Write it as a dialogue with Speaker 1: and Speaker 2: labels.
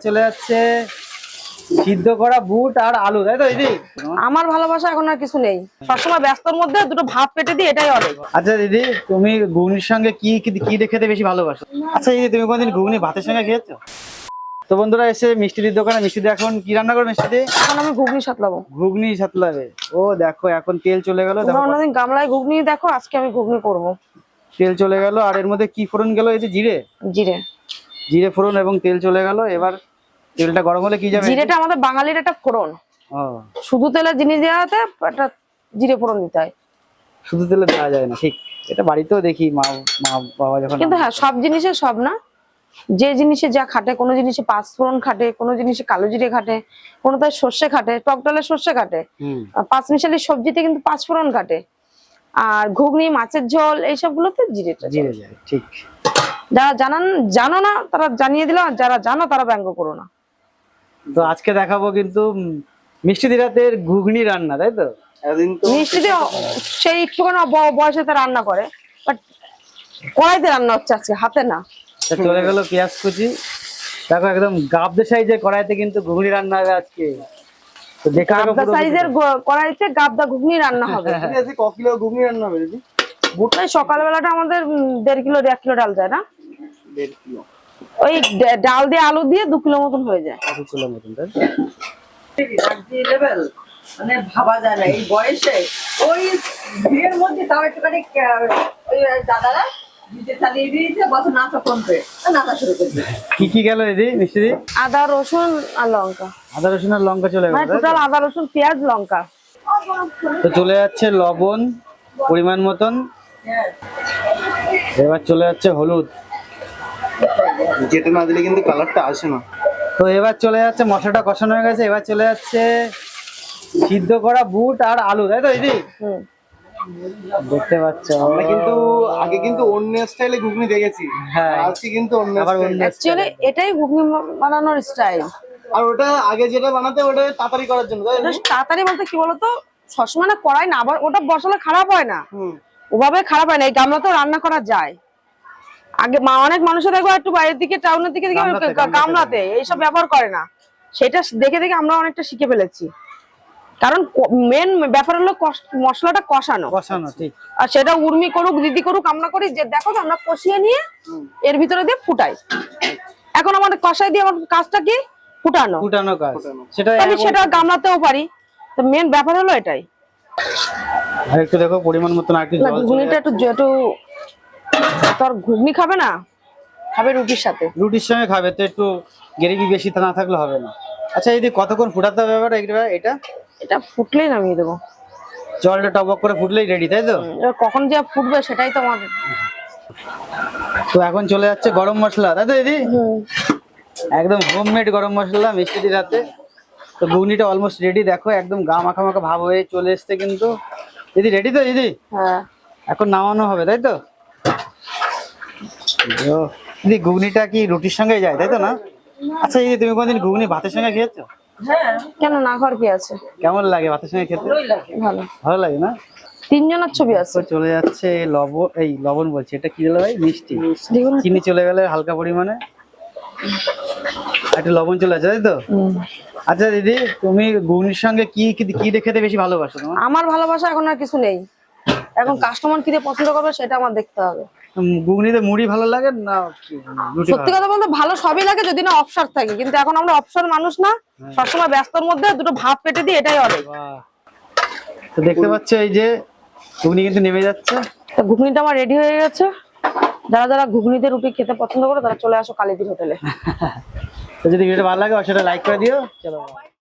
Speaker 1: চলে যাচ্ছে সিদ্ধ করা বুট আর আলু, তাই তো দিদি?
Speaker 2: আমার ভালোবাসা এখন আর কিছু নেই, সবসময় ব্যস্তর মধ্যে দুটো ভাত পেটে দিই, এটাই অনেক।
Speaker 1: আচ্ছা দিদি, তুমি ঘুগনির সঙ্গে কি কি খেতে বেশি ভালোবাসো? আচ্ছা দিদি, তুমি কোনদিন ঘুগনি ভাতের সঙ্গে খেয়েছো? তো বন্ধুরা এসে মিষ্টিদির দোকানে, মিষ্টিদি এখন কি রান্না করবে? মিষ্টিদি
Speaker 2: এখন আমি ঘুগনি সাতলাবো।
Speaker 1: ঘুগনি সাতলাবে। ও দেখো এখন তেল চলে গেল,
Speaker 2: অন্যদিন গামলায় ঘুগনি দেখো, আজকে আমি ঘুগনি করবো।
Speaker 1: তেল চলে গেল আর এর মধ্যে কি ফোড়ন গেল? এই যে জিরে,
Speaker 2: জিরে
Speaker 1: জিরে ফোড়ন এবং তেল চলে গেল। এবার তেলটা গরম হলে কি যাবে?
Speaker 2: জিরেটা আমাদের বাঙালির একটা ফোড়ন। শুধু তেলের জিনিস দেওয়াতে একটা জিরে ফোড়ন দিতে হয়,
Speaker 1: শুধু তেলে দেওয়া যায় না, ঠিক। এটা বাড়িতেও দেখি মা বাবা যখন।
Speaker 2: কিন্তু হ্যাঁ সব জিনিসে সব না, যে জিনিসে যা খাটে, কোনো জিনিসে পাঁচফোড়ন খাটে, কোনো জিনিসে কালো জিরে খাটে, কোনোটায় সর্ষে খাটে, টক ডালে সর্ষে খাটে, পাঁচমিশালি সবজিতে কিন্তু পাঁচফোড়ন খাটে, আর ঘুগনি, মাছের ঝোল, এইসব গুলোতে জিরেটা
Speaker 1: জিরে যায়, ঠিক।
Speaker 2: যারা জানো না তারা জানিয়ে দিল, আর যারা জানো তারা ব্যঙ্গ করো না।
Speaker 1: তো আজকে দেখাবো কিন্তু মিষ্টিদি রাতের ঘুগনি রান্না, তাই তো?
Speaker 2: মিষ্টিতে সেই একটুখানি বয়সেতে রান্না করে, বাট কড়াইতে রান্না হচ্ছে আজকে, হাতে না।
Speaker 1: চলে গেল পেঁয়াজ কুচি, দেখো একদম গাবদে সাইজের কড়াইতে কিন্তু ঘুগনি রান্না হবে আজকে। তো দেখে
Speaker 2: গাবদা সাইজের কড়াইতে গাবদা ঘুগনি রান্না হবে।
Speaker 1: আজকে ক কিলো ঘুগনি রান্না হবে দিদি?
Speaker 2: বুটটাই সকালবেলাটা আমাদের 1.5 কিলো 1 কিলো ডাল যায় না?
Speaker 1: 1.5 কিলো।
Speaker 2: ওই ডাল দিয়ে আলু দিয়ে 2 কিলো মতন হয়ে যায়।
Speaker 1: 2 কিলো মতন, তাই?
Speaker 3: মানে ভাবা যায় না এই বয়সে ওই ভিড়ের মধ্যে তাও একটুখানি ওই দাদারা ভিজে চালিয়ে দিয়েছে, বছর নাচা কমবে, নাচা শুরু করবে।
Speaker 1: কি কি গেল দিদি মিষ্টিদি?
Speaker 2: আদা রসুন আর লঙ্কা।
Speaker 1: আদা রসুন আর লঙ্কা চলে গেল,
Speaker 2: মানে টোটাল আদা রসুন পেঁয়াজ লঙ্কা।
Speaker 1: তো চলে যাচ্ছে লবণ পরিমাণ মতন, এবার চলে যাচ্ছে হলুদ,
Speaker 4: যেটা না দিলে কিন্তু কালারটা আসে না।
Speaker 1: তো এবার চলে যাচ্ছে, মশলাটা কষানো হয়ে গেছে, এবার চলে যাচ্ছে সিদ্ধ করা বুট আর আলু, তাই তো দিদি? দেখতে পাচ্ছ
Speaker 4: আমরা কিন্তু আগে কিন্তু অন্য স্টাইলে ঘুগনি দেখেছি,
Speaker 1: হ্যাঁ
Speaker 4: আজকে কিন্তু অন্য
Speaker 1: আবার
Speaker 4: style।
Speaker 1: অন্য
Speaker 2: অ্যাকচুয়ালি এটাই ঘুগনি বানানোর স্টাইল।
Speaker 4: আর ওটা আগে যেটা বানাতে ওটা তাড়াতাড়ি করার জন্য, তাই না?
Speaker 2: তাড়াতাড়ি বলতে কি বলতো, সবসময় না কড়াই না, আবার ওটা বসালে খারাপ হয় না,
Speaker 4: হুম।
Speaker 2: ওভাবে খারাপ হয় না। এই গামলাতেও রান্না করা যায়। আগে অনেক মানুষের দেখবো একটু বাইরের দিকে, টাউনের দিকে গামলাতে এইসব ব্যবহার করে না, সেটা দেখে দেখে আমরা অনেকটা শিখে ফেলেছি। কারণ মেন ব্যাপার হলো মশলাটা কষানো,
Speaker 1: ঠিক।
Speaker 2: আর সেটা উর্মি করুক দিদি করুক, আমরা করি যে দেখো তো আমরা কষিয়ে নিয়ে এর ভিতরে দিয়ে ফুটাই। এখন আমাদের কষাই দিয়ে আমার কাজটা কি ফুটানো
Speaker 1: কাজ, সেটা
Speaker 2: আমি সেটা গামলাতেও পারি। তো মেন ব্যাপার হলো এটাই।
Speaker 1: আর একটু দেখো পরিমাণ মতন আর কি জল,
Speaker 2: ঘুগনিটা একটু তোর ঘুগনি খাবে না, খাবে রুটির সাথে।
Speaker 1: রুটির সঙ্গে খাবে, তো একটু গ্রেভি বেশি না থাকলে হবে না। আচ্ছা দিদি, কতক্ষণ ফুটাতে হবে এটা?
Speaker 2: এটা ফুটলেই নামিয়ে দেবো,
Speaker 1: জলটা টবক করে ফুটলেই রেডি, তাই তো?
Speaker 2: এবার কখন যে ফুটবে সেটাই তো আমাদের।
Speaker 1: তো এখন চলে যাচ্ছে গরম মশলা, তাই তো দিদি? একদম হোমমেড গরম মশলা মিষ্টিদি রাতে। তো ঘুগনিটা অলমোস্ট রেডি, দেখো একদম গা মাখা মাখা ভাব হয়ে চলে এসছে কিন্তু। দিদি রেডি তো দিদি?
Speaker 2: হ্যাঁ,
Speaker 1: এখন নামানো হবে, তাই তো? দিদি ঘুগনিটা কি রুটির সঙ্গে যায়, তাই তো না? আচ্ছা দিদি, তুমি কোনদিন ঘুগনি ভাতের সঙ্গে খেয়েছো?
Speaker 2: কেন না, ঘর কি আছে?
Speaker 1: কেমন লাগে ভাতের সঙ্গে খেতে?
Speaker 2: ভালো,
Speaker 1: ভালো লাগে না?
Speaker 2: 3 জনের ছবি আছে।
Speaker 1: চলে যাচ্ছে লবণ বলছি, এটা কি হলো ভাই? মিষ্টি।
Speaker 2: দেখুন
Speaker 1: চিনি চলে গেলে হালকা পরিমাণে, একটু লবণ চলে আসে, তাই তো? আচ্ছা দিদি, তুমি ঘুগনির সঙ্গে কি কি খেতে বেশি ভালোবাসো?
Speaker 2: আমার ভালোবাসা এখন আর কিছু নেই, এখন কাস্টমার কি দিয়ে পছন্দ করবে সেটা আমার দেখতে হবে।
Speaker 1: ঘুগনিতে মুড়ি ভালো লাগে না রুটি?
Speaker 2: সত্যি কথা বলতে ভালো সবই লাগে যদি না অপশন থাকে, কিন্তু এখন আমরা অপশন মানুষ না, সবসময় ব্যস্তর মধ্যে দুটো ভাত পেটে দিই, এটাই অনেক।
Speaker 1: তো দেখতে পাচ্ছ এই যে ঘুগনি কিন্তু নেমে যাচ্ছে।
Speaker 2: ঘুগনিটা আমার রেডি হয়ে গেছে। যারা যারা ঘুগনিতে রুটি খেতে পছন্দ করে তারা চলে আসো কালীদির হোটেলে।
Speaker 1: তো যদি ভিডিওটা ভালো লাগে অবশ্যই লাইক করে দিও। চলো।